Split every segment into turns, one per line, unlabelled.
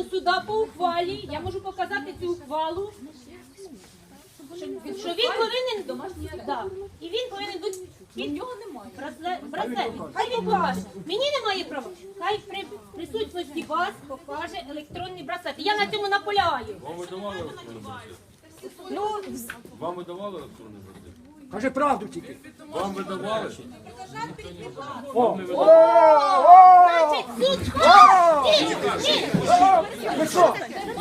суда по ухвалі, я можу показати цю ухвалу, що він повинен, да, і він повинен бути під браслет. Хай він покаже. Мені немає права. Хай при присутності вас покаже електронний браслет. Я на цьому наполягаю.
Вам видавали електронний браслет?
Ну,
Вам видавали електронний браслет?
Каже правду тільки.
Вам видавали?
значить, суд
Ви що?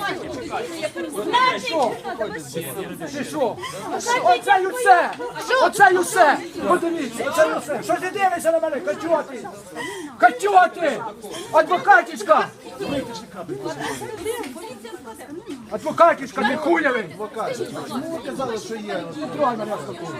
Ти що? Оце й усе! Оце й усе! Подивіться, оце й усе! Що ти дивишся на мене? Катюти! Катюти! Адвокатічка! Адвокатічка, не хуявий!
Чому ви казали, що є?
Трогай мене з такого.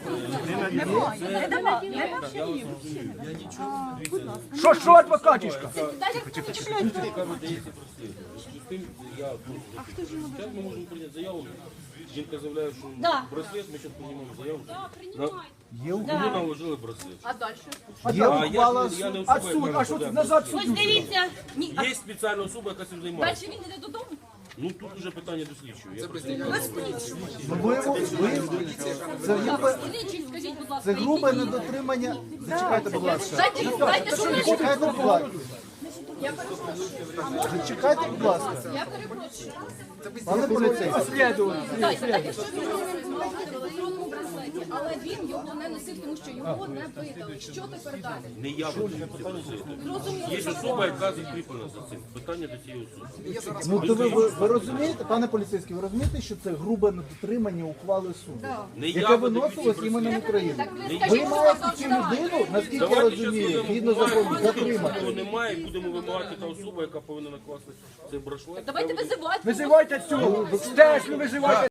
Що адвокатічка?
Яка видається прости. З тим я... Зараз ми можемо прийняти заяву. Жінка заявляє, що
Да.
браслет, ми зараз приймемо заяву. Кому наложили браслет?
Є ухвала
Я не
А
особа,
суд,
яка
а що
розглядає.
назад
Ось
суддю?
дивіться.
Є спеціальна особа, яка цим займається.
Далі він йде додому.
Ну тут вже питання до слідчого. Я просто-
це грубе недотримання. Зачекайте, будь ласка.
Дайте, що
Зачекайте, будь ласка. Зачекайте, будь ласка. Пане поліцейський.
Розслідування.
Але він його не носив, тому що його не видали. Що тепер далі?
Не я буду ці браслети. Є особа, яка закріплена за цим. Питання до цієї особи.
Ну то ви розумієте, пане поліцейський, ви розумієте, що це грубе недотримання ухвали суду,
Не я
яке
буду
виносилось
ці
іменем України.
браслети.
Ви маєте цю людину, наскільки я
Давайте зараз
розумію,
будемо
згідно закону, затримати.
Такого немає, і будемо вимагати та особа, яка повинна накласти цей браслет.
Давайте визивати.
Визивайте цю, стежку визивайте.